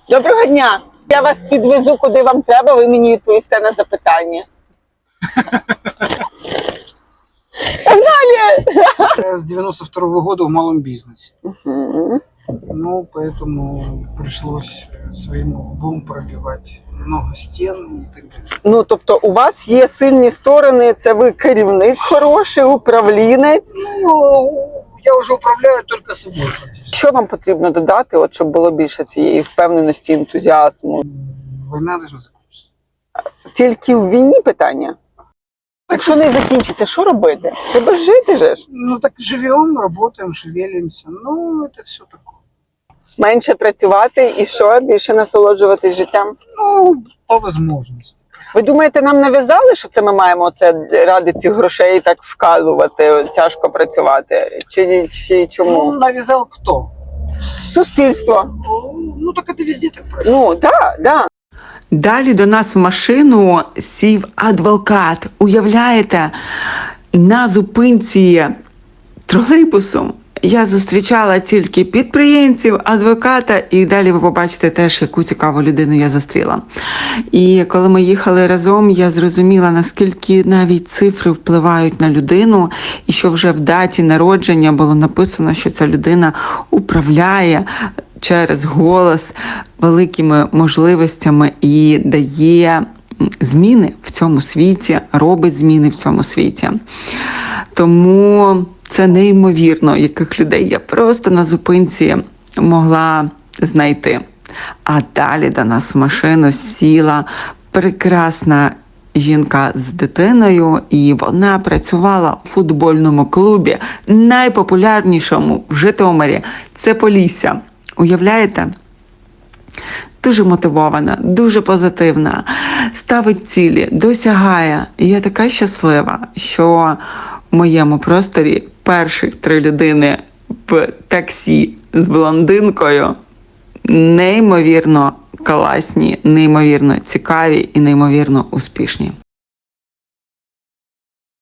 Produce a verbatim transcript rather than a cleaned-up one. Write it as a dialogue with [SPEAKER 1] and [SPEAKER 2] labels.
[SPEAKER 1] Доброго дня! Я вас підвезу, куди вам треба, ви мені відповісте на запитання. Погнали!
[SPEAKER 2] Я с девяносто второго года в малом бизнесе.
[SPEAKER 1] Мгм.
[SPEAKER 2] Ну, поэтому пришлось своим лбом пробивать много стен и так далее.
[SPEAKER 1] Ну, тобто у вас є сильні сторони, це ви керівник хороший, управлінець.
[SPEAKER 2] Ну, я уже управляю только собой практически.
[SPEAKER 1] Що вам потрібно додати, от, щоб було більше цієї впевненості, ентузіазму?
[SPEAKER 2] Война должна закончиться.
[SPEAKER 1] Тільки в війні питання? Якщо не закінчите, що робити? Треба жити же ж.
[SPEAKER 2] Ну, так живем, работаем, шевелимся. Ну, это все такое.
[SPEAKER 1] Менше працювати і що? Більше насолоджуватись життям?
[SPEAKER 2] Ну, по возможности.
[SPEAKER 1] Ви думаєте, нам нав'язали, що це ми маємо це ради цих грошей так вкалувати, тяжко працювати? Чи, чи чому?
[SPEAKER 2] Ну, навязал кто?
[SPEAKER 1] Суспільство.
[SPEAKER 2] Ну, так это везде так происходит.
[SPEAKER 1] Ну, так, так.
[SPEAKER 3] Далі до нас в машину сів адвокат. Уявляєте, на зупинці тролейбусу я зустрічала тільки підприємців, адвоката, і далі ви побачите теж, яку цікаву людину я зустріла. І коли ми їхали разом, я зрозуміла, наскільки навіть цифри впливають на людину, і що вже в даті народження було написано, що ця людина управляє через голос великими можливостями і дає зміни в цьому світі, робить зміни в цьому світі. Тому це неймовірно, яких людей я просто на зупинці могла знайти. А далі до нас в машину сіла прекрасна жінка з дитиною, і вона працювала у футбольному клубі, найпопулярнішому в Житомирі. Це Полісся. Уявляєте? Дуже мотивована, дуже позитивна, ставить цілі, досягає. І я така щаслива, що в моєму просторі перших три людини в таксі з блондинкою неймовірно класні, неймовірно цікаві і неймовірно успішні.